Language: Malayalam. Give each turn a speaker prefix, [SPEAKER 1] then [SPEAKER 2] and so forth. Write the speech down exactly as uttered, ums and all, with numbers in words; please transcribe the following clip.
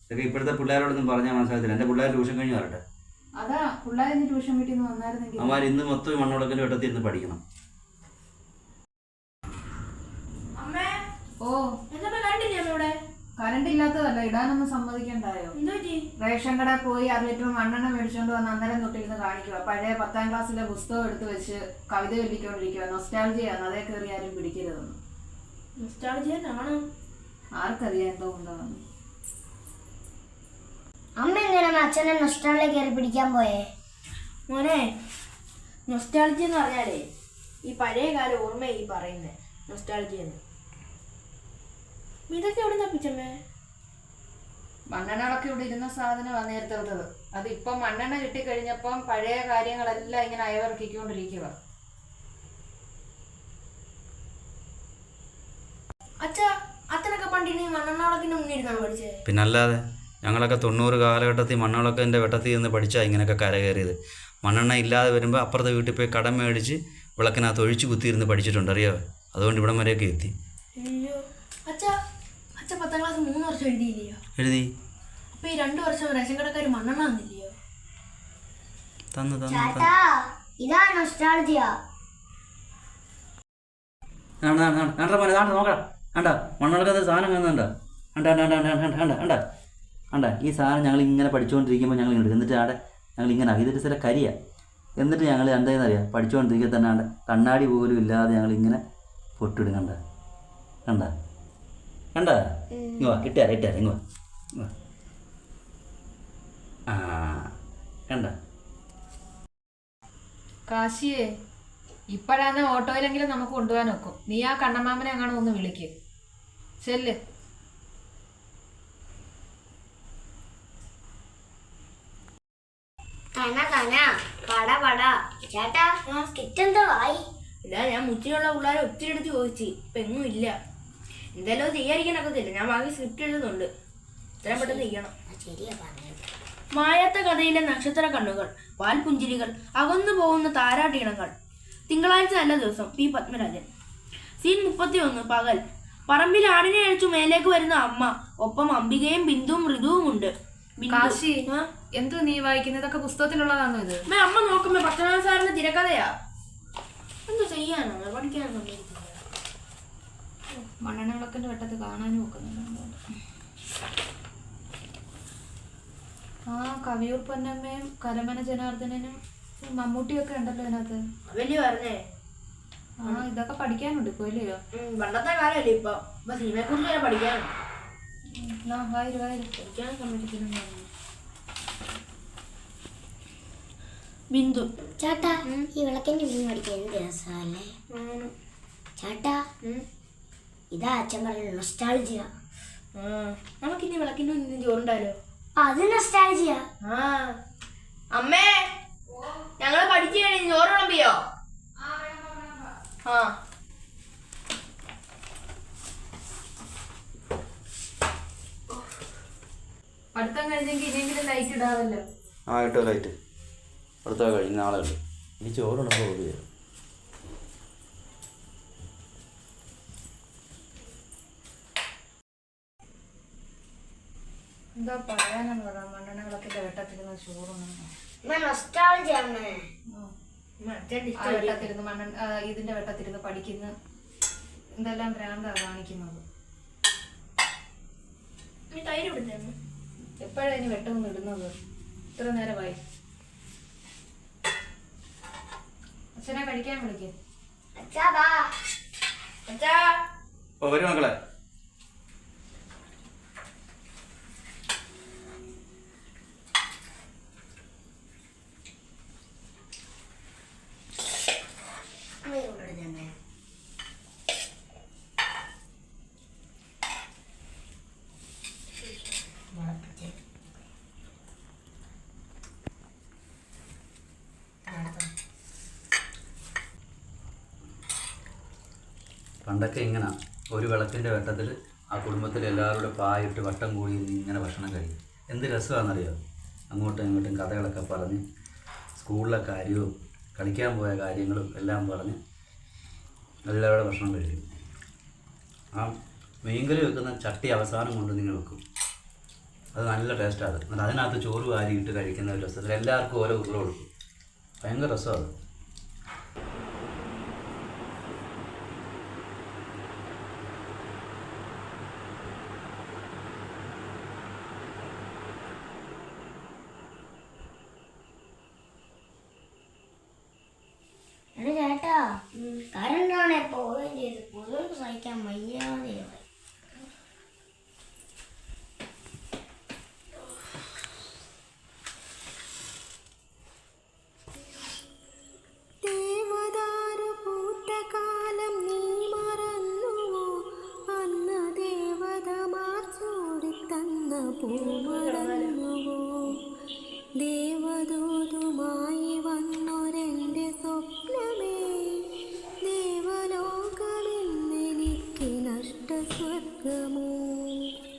[SPEAKER 1] ഇതൊക്കെ ഇപ്പോഴത്തെ പിള്ളേരോടൊന്നും പറഞ്ഞാൽ മനസ്സിലാകത്തില്ല. എൻ്റെ പിള്ളേർ ട്യൂഷൻ കഴിഞ്ഞ് വരട്ടെ.
[SPEAKER 2] അതാ പിള്ളേരിന്ന് ട്യൂഷൻ വീട്ടിൽ നിന്ന് വന്നായിരുന്നെങ്കിൽ
[SPEAKER 1] അവന്മാർ ഇന്ന് മൊത്തം മണ്ണുളക്കൻ്റെ വെട്ടത്തിൽ ഇരുന്ന് പഠിക്കണം.
[SPEAKER 2] ഓ കറണ്ട് ഇല്ലാത്തതല്ല, ഇടാനൊന്നും സമ്മതിക്കണ്ടായോ? റേഷൻ കടയിൽ പോയി അര ലിറ്റർ മണ്ണെണ്ണ മേടിച്ചോണ്ട് വന്ന് അന്നേരം തൊട്ടിരുന്ന് കാണിക്കുക. പഴയ പത്താം ക്ലാസ്സിലെ പുസ്തകം എടുത്ത് വെച്ച് കവിത ചൊല്ലിക്കൊണ്ടിരിക്കുക. നൊസ്റ്റാൾജിയാണ്, അതേ കയറി ആരും പിടിക്കരുതെന്ന്. ആർക്കറിയാം എന്തോ ഉണ്ടാവുന്നു.
[SPEAKER 3] അമ്മ എങ്ങനെയാണ് അച്ഛനെ നൊസ്റ്റാൾജിയ കയറി പിടിക്കാൻ പോയേ?
[SPEAKER 4] മോനെ, നൊസ്റ്റാൾജി എന്ന് പറഞ്ഞാലേ ഈ പഴയ കാല ഓർമ്മ ഈ പറയുന്നത് നൊസ്റ്റാൾജി എന്ന്. ഇതൊക്കെ എവിടെ തപ്പിച്ചമ്മേ?
[SPEAKER 2] മണ്ണെണ്ണകളൊക്കെ ഇവിടെ ഇരുന്ന സാധനമാണ് നേരത്തെ എടുത്തത്. അത് ഇപ്പം മണ്ണെണ്ണ കിട്ടിക്കഴിഞ്ഞപ്പം പഴയ കാര്യങ്ങളെല്ലാം ഇങ്ങനെ അയവിറക്കിക്കൊണ്ടിരിക്കുക.
[SPEAKER 4] അച്ഛാ, അച്ഛനൊക്കെ പണ്ടിനി മണ്ണെണ്ണ മുന്നിരുന്നാണ് പഠിച്ചത്.
[SPEAKER 1] പിന്നല്ലാതെ ഞങ്ങളൊക്കെ തൊണ്ണൂറ് കാലഘട്ടത്തിൽ മണ്ണുളക്കൻ്റെ വെട്ടത്തിൽ നിന്ന് പഠിച്ചാൽ ഇങ്ങനെയൊക്കെ കരകയറിയത്. മണ്ണെണ്ണ ഇല്ലാതെ വരുമ്പോൾ അപ്പുറത്തെ വീട്ടിൽ പോയി കടം മേടിച്ച് വിളക്കിനകത്ത് ഒഴിച്ച് കുത്തിയിരുന്ന് പഠിച്ചിട്ടുണ്ട്, അറിയാമോ? അതുകൊണ്ട് ഇവിടം വരെയൊക്കെ എത്തി.
[SPEAKER 4] അയ്യോ അച്ഛാ, അച്ഛൻ പത്താം ക്ലാസ് മൂന്ന് വർഷം എഴുതിയില്ലയോ?
[SPEAKER 1] എഴുതി.
[SPEAKER 4] അപ്പൊ ഈ രണ്ടു വർഷം റേഷൻ കടക്കാർ മണ്ണെണ്ണ തന്നില്ലയോ?
[SPEAKER 1] തന്നു തന്നു
[SPEAKER 3] ചേട്ടാ, ഇതാ നൊസ്റ്റാൾജിയ.
[SPEAKER 1] നോക്കടാ, കണ്ട മണ്ണുളക്കുന്ന സാധനം കാണുന്നുണ്ടോ? കണ്ട കണ്ട കണ്ട കണ്ട കണ്ട കണ്ട ഈ സാധനം ഞങ്ങൾ ഇങ്ങനെ പഠിച്ചുകൊണ്ടിരിക്കുമ്പോൾ ഞങ്ങൾ ഇങ്ങോട്ട് എന്നിട്ട് ആടെ ഞങ്ങൾ ഇങ്ങനെ ഇതൊരു ചില കരിയാണ്. എന്നിട്ട് ഞങ്ങൾ എന്താണെന്നറിയാം, പഠിച്ചുകൊണ്ടിരിക്കുക തന്നെ ആണ്ട് കണ്ണാടി പോലും ഇല്ലാതെ ഞങ്ങൾ ഇങ്ങനെ പൊട്ടിടും. കണ്ട കണ്ട കണ്ട ഇങ്ങ വാ, ഇട്ടുതരാം ഇട്ടുതരാം ഇങ്ങ വാ. ആ കണ്ട
[SPEAKER 2] കാശിയേ, ഇപ്പോഴാണ് ഓട്ടോയിലെങ്കിലും നമുക്ക് കൊണ്ടുപോകാൻ നോക്കും. നീ ആ കണ്ണമാമനെ അങ്ങനെ ഒന്ന് വിളിക്ക്. ചെല്ല്.
[SPEAKER 3] കന കന പട പട. ചേട്ടാ, സ്കിറ്റ് എന്തോ ആയി?
[SPEAKER 4] ഇല്ല, ഞാൻ മുച്ചിലുള്ള പിള്ളേരെ ഒത്തിരി എടുത്ത് ചോദിച്ചു, ഇപ്പൊ എങ്ങും ഇല്ല. എന്തായാലും അത് ചെയ്യാതിരിക്കാനൊക്കത്തില്ല. ഞാൻ ബാക്കി സ്ക്രിപ്റ്റ് എഴുതുന്നുണ്ട്, ഇത്രയും പെട്ടെന്ന് ചെയ്യണം. മായാത്ത കഥയിലെ നക്ഷത്ര കണ്ണുകൾ, പാൽപുഞ്ചിരികൾ, അകന്നു പോകുന്ന താരാട്ടീണങ്ങൾ. തിങ്കളാഴ്ച നല്ല ദിവസം. പി പത്മരാജൻ. സീൻ മുപ്പത്തി ഒന്ന്. പകൽ. പറമ്പിൽ ആടിനെ അഴിച്ചു മേലേക്ക് വരുന്ന അമ്മ, ഒപ്പം അംബികയും ബിന്ദുവും ഋതുവും ഉണ്ട്.
[SPEAKER 2] കാശി, എന്തു നീ വായിക്കുന്നതൊക്കെ പുസ്തകത്തിലുള്ളതാണോ ഇത്?
[SPEAKER 4] അമ്മ നോക്കുമ്പോ പത്മനാഭ സാറിന്റെ തിരക്കഥയാ. എന്തോ ചെയ്യാനോ, പഠിക്കാനോ.
[SPEAKER 2] മണ്ണെണ്ണ വെട്ടത്ത് കാണാനും നോക്കുന്നുണ്ട്. ആ കവിയൂർ പൊന്നമ്മയും കരമന ജനാർദ്ദനനും മമ്മൂട്ടിയൊക്കെ ഉണ്ടല്ലോ ഇതിനകത്ത്.
[SPEAKER 4] വലിയ പറഞ്ഞേ.
[SPEAKER 2] ആ ഇതൊക്കെ പഠിക്കാനുണ്ട് ഇപ്പൊ ഇല്ലയോ?
[SPEAKER 4] പണ്ടത്തെ കാലമല്ലേ ഇപ്പൊ. ഇപ്പൊ സിനിമയെ കുറിച്ച് വരെ പഠിക്കാനും
[SPEAKER 2] വായിരു വായിരു
[SPEAKER 4] പഠിക്കാനും സമ്മതിക്കുന്നു. ബിന്ദു.
[SPEAKER 3] ചേട്ടാ, ഈ വിളക്കിന്റെ മീൻ പഠിക്കാൻ എന്ത് രസമല്ലേ? ചേട്ടാ, ഇതാ അച്ഛൻ പറഞ്ഞ നൊസ്റ്റാൾജിയ.
[SPEAKER 4] നമുക്കിനി വിളക്കിന്റെ മുന്നിൽ ചോറുണ്ടാലോ?
[SPEAKER 3] അത് നൊസ്റ്റാൾജിയ.
[SPEAKER 4] ആ അമ്മേ, ഞങ്ങള് പഠിച്ചു കഴിഞ്ഞ് ചോറ് വിളമ്പിയോ? ആ
[SPEAKER 2] പഠിത്തം കഴിഞ്ഞെങ്കിൽ ഇനിയെങ്കിലും ലൈറ്റ് ഇടാവല്ലോ.
[SPEAKER 1] ആ ഇട്ടോ ലൈറ്റ്. അടുത്ത കഴിഞ്ഞ നാളെ ഉണ്ട്. ഇനി ചോറുണ്ടപ്പോൾ ഓടി വരും.
[SPEAKER 2] എന്താ പറയാനെന്ന് പറയാം, മണ്ണെണ്ണ വിളക്കിന്റെ വെട്ടത്തിരുന്ന് ചോറുണ്ട്. വെട്ടത്തിരുന്ന് മണ്ണെണ്ണ ഇതിന്റെ വെട്ടത്തിരുന്ന് പഠിക്കുന്ന എന്തെല്ലാം ഭ്രാന്താ കാണിക്കുന്നത്.
[SPEAKER 4] തൈര് ഇവിടുന്ന്
[SPEAKER 2] എപ്പോഴാ ഇനി വെട്ടമൊന്നും ഇടുന്നത്? ഇത്ര നേരമായി. അച്ഛനെ കഴിക്കാൻ വിളിക്കേ.
[SPEAKER 1] വരും മക്കളെ. പണ്ടൊക്കെ ഇങ്ങനെ ഒരു വിളക്കിൻ്റെ വെട്ടത്തിൽ ആ കുടുംബത്തിൽ എല്ലാവരുടെ പായിട്ട് വട്ടം കൂടി ഇങ്ങനെ ഭക്ഷണം കഴിക്കും. എന്ത് രസമാണെന്നറിയാം. അങ്ങോട്ടും ഇങ്ങോട്ടും കഥകളൊക്കെ പറഞ്ഞ് സ്കൂളിലെ കാര്യവും കളിക്കാൻ പോയ കാര്യങ്ങളും എല്ലാം പറഞ്ഞ് എല്ലാവരുടെ ഭക്ഷണം കഴിക്കും. ആ മീൻകറി വെക്കുന്ന ചട്ടി അവസാനം കൊണ്ട് നിങ്ങൾ വെക്കും. അത് നല്ല ടേസ്റ്റാണ് അത്. എന്നിട്ട് അതിനകത്ത് ചോറ് വാരി ഇട്ട് കഴിക്കുന്ന ഒരു രസത്തിൽ എല്ലാവർക്കും ഓരോ ഉരുള കൊടുക്കും. ഭയങ്കര രസമാണ്.
[SPEAKER 3] എടാ ചേട്ടാ, കറണ്ടാണെ പോവുകയും ചെയ്ത് പുതുക്ക് സഹിക്കാൻ വയ്യാതെ
[SPEAKER 5] ദേവദാരു പൂത്ത കാലം നീ മറന്നുവോ? അന്ന് ദേവതമാർ ചൂടിത്തന്ന പൂ മറന്നുവോ? ദേവദൂതുമായി വന്നൊരെൻ്റെ സ്വപ്നമേ, ദേവലോകമെന്നെനിക്ക് നഷ്ടസ്വർഗമോ?